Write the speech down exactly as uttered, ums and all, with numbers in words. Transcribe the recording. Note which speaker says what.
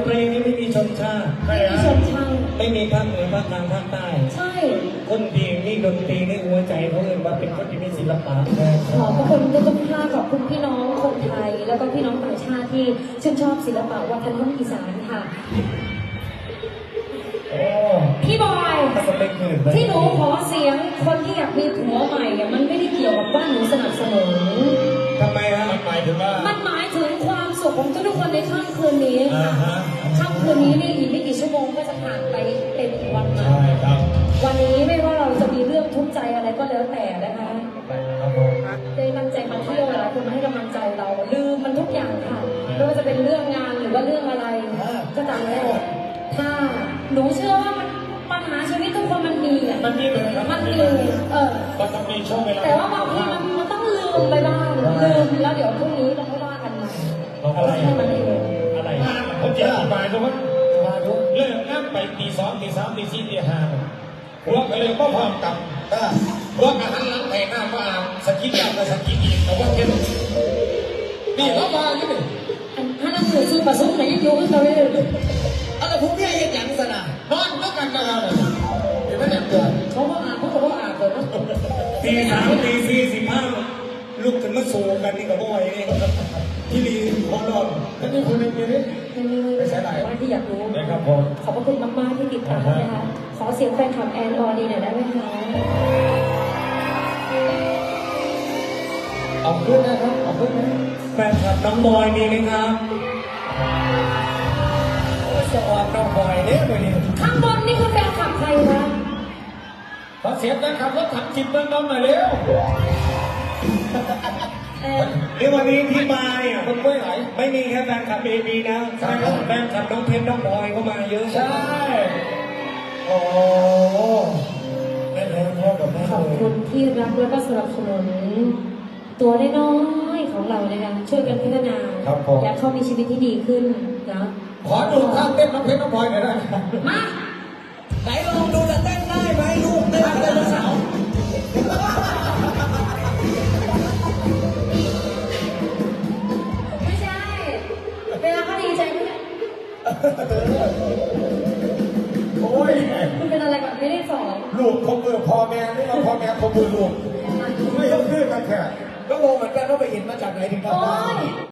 Speaker 1: เพลงนี้ไม่มีชนชาติไม่มีชนชาติไม่มีภาคเหนือภาคกลางภาคใต้ใช่คนดีนี่ดนตรีนี่หัวใจเขาเลยว่าเป็นคนที่มีศิลปะ
Speaker 2: ขอบพระคุณทุกท่านขอบคุณพี่น้องคนไทยแล้วก็พี่น้องต่างชาติที่ชื่นชอบศิลปะวัฒนธรรมอีสานค่ะพี่บอยที่หนูขอเสียงคนที่อยากมีผัวใหม่เนี่ยมันไม่ได้เกี่ยวกับว่าหนูสนับสนุน
Speaker 1: ทำไมฮะมันหมายถึงว่า
Speaker 2: มันหมายถึงความสุขของทุกคนในค่ำคืนนี้ค่ะค่ำคืนนี้นี่อีกไม่กี่ชั่วโมงก็จะผ่านไปเป็นวันใหม่วันนี้ไม่ว่าเราจะมีเรื่องทุกข์ใจอะไรก็แล้วแต่นะคะได้ตั้งใจมาเที่ยวหลายคนมาให้กำลังใจเราลืมมันทุกอย่างค่ะไม่ว่าจะเป็นเรื่องงานหรือว่าเรื่องอะไรก็ตามแล้วถ้าหนูเชื่อว่ามันปัญหาชีวิตทุกคนมันมีอ่ะ
Speaker 1: มันมีเลย
Speaker 2: มันมีเออ
Speaker 1: มันต้องมีช่วงเวลา
Speaker 2: แต่ว่าบางทีมันมันต้องลืมไปบ้างลืมแล้วเดี๋ยวพรุ่งนี้เราค่อยว่ากันใหม่
Speaker 1: อะไร
Speaker 2: มันเอง
Speaker 1: อะไรผมจะอธิบายทุกคนเลิกงานไปตีสองตีสามตีสี่ตีห้าพวกก็เลยก็พร้อมกับพวกอาหารหลังแต่งหน้ามาสกินยาวกับสกินอีกแต่ว่าเท่นี่เขามาอยู่นี่
Speaker 2: ถ้านั่งอยู่ซึ่งประสงค์ไหนยังอยู่ก็จะไม่ได้
Speaker 1: อะไรพวกนี้ยังยังสนะนอนก็กันกันเลยเห็นไหมเนี่ยเกิด
Speaker 2: เขาก็อ่านเขาก็อ่านเลยนะ
Speaker 1: ตีสามตีสี่สิบห้าลูกถึงมาสูงกันนี่กับพ่อยนี่ที่ดีพอนอนแล้วนี่คุณเป็นยังไง
Speaker 2: ไม่ใช่ไหนว่าที่อยากรู้
Speaker 1: นะครับผม
Speaker 2: ขอบพระคุณมากๆที่ติดตามนะคะขอเสียงแฟนคลับแอนออดีหน่อยได้ไหมคะ
Speaker 1: ออกขึ้นนะครับออกขึ้นนะแฟนคลับน้องบอยมีไหมครับจะออกน้องบอยเนี่ยเลยนี่
Speaker 2: ข้างบนนี่คือแฟนคลับใครคะ
Speaker 1: ขอเสียงแฟนคลับรถถังจิตเมืองน้องหน่อยเร็วในวันนี้ที่มาเนี่ยคนไม่ไหลไม่มีแค่แฟนคลับเอบีนะแฟนคลับน้องเพชรน้องบอยเข้ามาเยอะใช่โอ้แม่แท้พ่อกับแม่
Speaker 2: ขอบคุณที่รักและก็สนับสนุนตัวน้อยๆของเรานะคะช่วยกันพัฒนาและเขามีชีวิตที่ดีขึ้นนะ
Speaker 1: ขอดูท่าเต้นน้องเพชรน้องบอยหน่อยได้
Speaker 2: มา
Speaker 1: ไหนลองดูจะเต้นได้ไหมลูกเต้นได้ไหมสาว
Speaker 2: ไม่ใช่เวลาเขาดีใจไหม
Speaker 1: โอ้ย
Speaker 2: มันเป็นอะไรแบบไม่ได้สอน
Speaker 1: ลูกเขาเบื่อพ่อแม่หรือว่าพ่อแม่เขาเบื่อลูกไม่ต้องเพื่อนกันแค่ก็งงเหมือนกันว่าไปเห็นมาจากไหนถึงทำได้